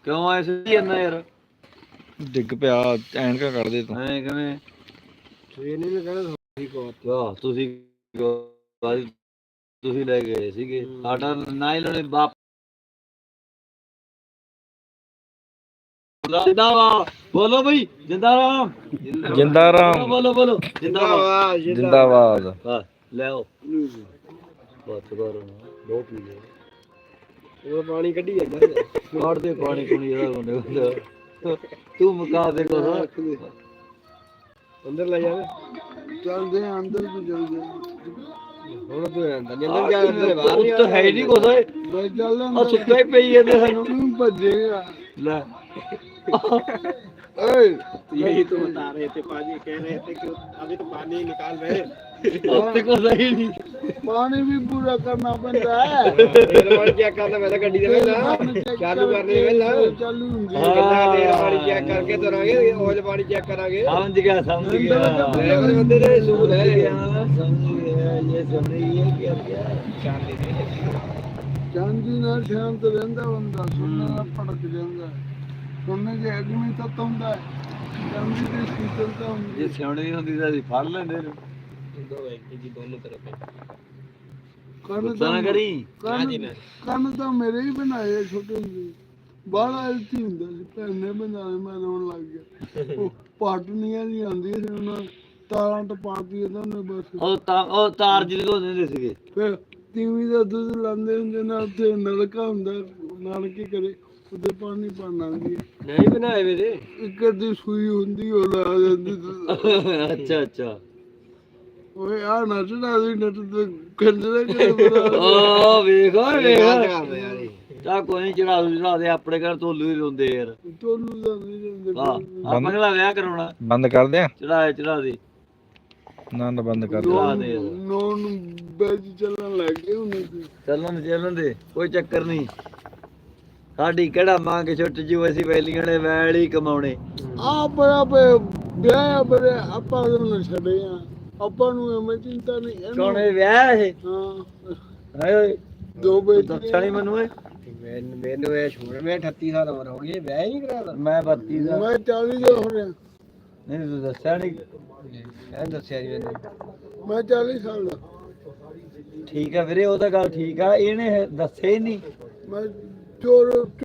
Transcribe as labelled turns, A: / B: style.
A: ਕਿਉਂ ਐਸੇ ਜਾਂਦਾ ਯਾਰ
B: ਡਿੱਗ ਪਿਆ ਐਨਕਾਂ ਕੱਢ ਦੇ ਤੂੰ
A: ਐ ਕਿਵੇਂ
C: ਸਵੇਰ ਨੇ ਕਹਿੰਦਾ
A: ਵਾਹ ਤੁਸੀਂ ਲੈ ਗਏ ਸੀਗੇ ਸਾਡਾ ਨਾ ਹੀ ਲੈਣੇ ਬਾਪ ਜਿੰਦਾਬਾਦ ਬੋਲੋ ਬਈ ਜਿੰਦਾਰਾਮ
B: ਜਿੰਦਾਰਾਮ
A: ਬੋਲੋ ਜਿੰਦਾਬਾਦ
B: ਜਿੰਦਾਬਾਦ
A: ਹਾਂ ਲੈ ਆਓ ਬਸ ਕਰੋ ਦੋ ਪੀ ਲੈ
C: ਉਹ ਪਾਣੀ ਕੱਢੀ ਜਾਂਦਾ
A: ਕਾੜ ਦੇ ਪਾਣੀ ਕੁਣੀ ਇਹਦਾ ਬੰਦੇ ਤੂੰ ਮੁਕਾ ਦੇ ਕੋ
C: ਅੰਦਰ ਲੈ ਜਾਵੇ
D: ਚੱਲਦੇ ਆਂ ਅੰਦਰ ਵੀ ਚੱਲਦੇ
C: ਹੁਣ ਤੂੰ ਅੰਦਰ ਨਿਕਲ ਗਿਆ ਅੰਦਰ ਬਾਹਰ
A: ਉਹ ਤਾਂ ਹੈ ਨਹੀਂ ਕੁਛ ਓਏ
D: ਬਈ ਚੱਲ
A: ਆ ਸੁੱਤਾ ਹੀ ਪਈ ਜਾਂਦੇ ਸਾਨੂੰ
D: ਤੂੰ ਭੱਜੇਗਾ
A: ਲੈ
D: ਓਏ
C: यही तो बता रहे थे पाजी कह रहे थे कि अभी तो पानी निकाल रहे
A: ਉੱਤੇ ਕੋ ਸਹੀ ਨਹੀਂ
D: ਪਾਣੀ ਵੀ ਪੂਰਾ ਕਰਨਾ ਪੈਂਦਾ ਹੈ
C: तेल वाली चेक करना पहले गड्डी दे वेला चालू करने वेला
D: ਚਾਲੂ ਹੁੰਦੀ
A: ਹਾਂ।
C: कितना तेल वाली चेक करके तुरांगे ऑयल वाली चेक करांगे
A: ਸਮਝ ਗਿਆ
C: ड्राइवर बंदे ने सूद है
A: ਸਮਝ ਗਿਆ ਇਹ ਸਮਝ ਗਿਆ ਕੀ ਗਿਆ
D: ਚਾਂਦੀ ਨਾਲ ਸ਼ਾਂਤ ਰਹਿੰਦਾ ਬੰਦਾ ਸੁਣਨ ਨਾਲ ਭੜਕ ਜਾਂਦਾ ਸੁਣਨ ਜੇ ਅਗਮੀ ਤੱਤ ਹੁੰਦਾ ਹੈ ਚਾਂਦੀ ਦੀ ਸ਼ੀਤਲਤਾ ਹੁੰਦੀ
A: ਜੇ ਸਿਆਣੇ ਨਹੀਂ ਹੁੰਦੀ ਤਾਂ ਅਸੀਂ ਫੜ ਲੈਂਦੇ ਨੇ
C: दो व्यक्ति जी दोनों तरफ है
D: ਕੰਨ
A: ਗੁੱਸਾ ਨਾ ਕਰੀ
D: ਕੰਨ ਤਾਂ ਮੇਰੇ ਹੀ ਬਣਾਏ ਛੋਟੇ ਹੁੰਦੇ ਬਾਹਲਾ ਇਲਤੀ ਹੁੰਦਾ ਸੀ ਭੈਣ ਨੇ ਬਣਾਏ ਮੈਂ ਰੋਣ ਲੱਗ ਗਿਆ ਉਹ ਪਾਟਨੀਆਂ ਨਹੀਂ ਆਉਂਦੀਆਂ ਸੀ ਉਹਨਾਂ ਤਾਰਾਂ ਟਪਾਤੀ ਇਹਨਾਂ ਨੇ ਬਸ
A: ਉਹ ਤਾਰ ਜਿਹਦੇ ਕੋਲ ਦਿੰਦੇ ਸੀਗੇ
D: ਫਿਰ ਤੀਵੀਂ ਦਾ ਦੁੱਧ ਲਾਉਂਦੇ ਹੁੰਦੇ ਨਾ ਉੱਥੇ ਨਲਕਾ ਹੁੰਦਾ ਨਲਕੇ ਕਰੇ ਉਹਦੇ ਪਾਣੀ ਪਾਣਾ ਆਉਂਦੀ
C: नहीं बनाए मेरे
D: ਇੱਕ ਅੱਧੀ ਸੂਈ ਹੁੰਦੀ ਉਹ ਲਾ ਜਾਂਦੀ ਦੁੱਧ।
A: ਅੱਛਾ
D: ਓਏ ਆ ਨੱਚਦਾ ਸੀ ਨੱਚ ਤੇ ਕੰਜਰਾ ਕਿਹੜਾ
A: ਓ ਵੇਖ ਓਏ
C: यार
A: ਵੇਖ ਤਾਂ ਕੋਈ ਨਹੀਂ ਚੜਾ ਦੇ ਆਪਣੇ ਘਰ ਤੋਲੂ ਹੀ ਰੋਂਦੇ ਯਾਰ
D: ਟੋਲੂ ਦਾ ਨਹੀਂ ਜਾਂਦੇ
A: ਹਾਂ ਆਪਾਂ ਕਿਹੜਾ ਵਿਆਹ ਕਰਾਉਣਾ
B: ਬੰਦ ਕਰ ਦਿਆਂ
A: ਚੜਾ ਦੇ
B: ਨੰਦ ਬੰਦ ਕਰ ਦੇ
A: ਚੜਾ ਦੇ
D: ਨੋਨ ਬੈਜ ਚੱਲਣ ਲੱਗ ਗਏ ਉਹਨੇ ਤੇ
A: ਚੱਲਣ ਦੇ ਕੋਈ ਚੱਕਰ ਨਹੀਂ ਸਾਡੀ ਕਿਹੜਾ ਮੰਗ ਛੁੱਟ ਜੂ ਅਸੀਂ ਵੈਲੀਆਂ ਨੇ ਵੈਲ ਹੀ ਕਮਾਉਣੇ
D: ਆ ਬੜਾ ਵਿਆਹ ਬੜੇ ਆਪਾਂ ਨੂੰ ਛੱਡੇ ਆ ਆਪਾਂ ਨੂੰ ਐਵੇਂ ਚਿੰਤਾ ਨਹੀਂ ਇਹਨੂੰ-
A: ਕੌਣ ਇਹ ਵਿਆਹ ਇਹ
D: ਹਾਂ
A: ਹਾਏ ਓਏ
D: ਦੋ ਬੇਟੇ
A: ਦੱਸਿਆ ਨੀ ਮੈਨੂੰ ਏ
C: मैंने ये छोड़ मैं 38 साल उम्र हो गई ब्याह ही नहीं कराया
A: ਮੈਂ 32 ਦਾ
D: ਮੈਂ 40 ਦਾ ਹੋ ਰਿਹਾ
A: ਨਹੀਂ ਤੂੰ ਦੱਸਿਆ ਨਹੀਂ
C: मैं दसिया जी मैंने
D: ਮੈਂ 40 ਸਾਲ ਦਾ
A: ਠੀਕ ਆ ਵੀਰੇ ਉਹ ਤਾਂ ਗੱਲ ਠੀਕ ਆ ਇਹਨੇ ਦੱਸਿਆ ਹੀ ਨਹੀਂ
D: ਮੈਂ ਚੋਰ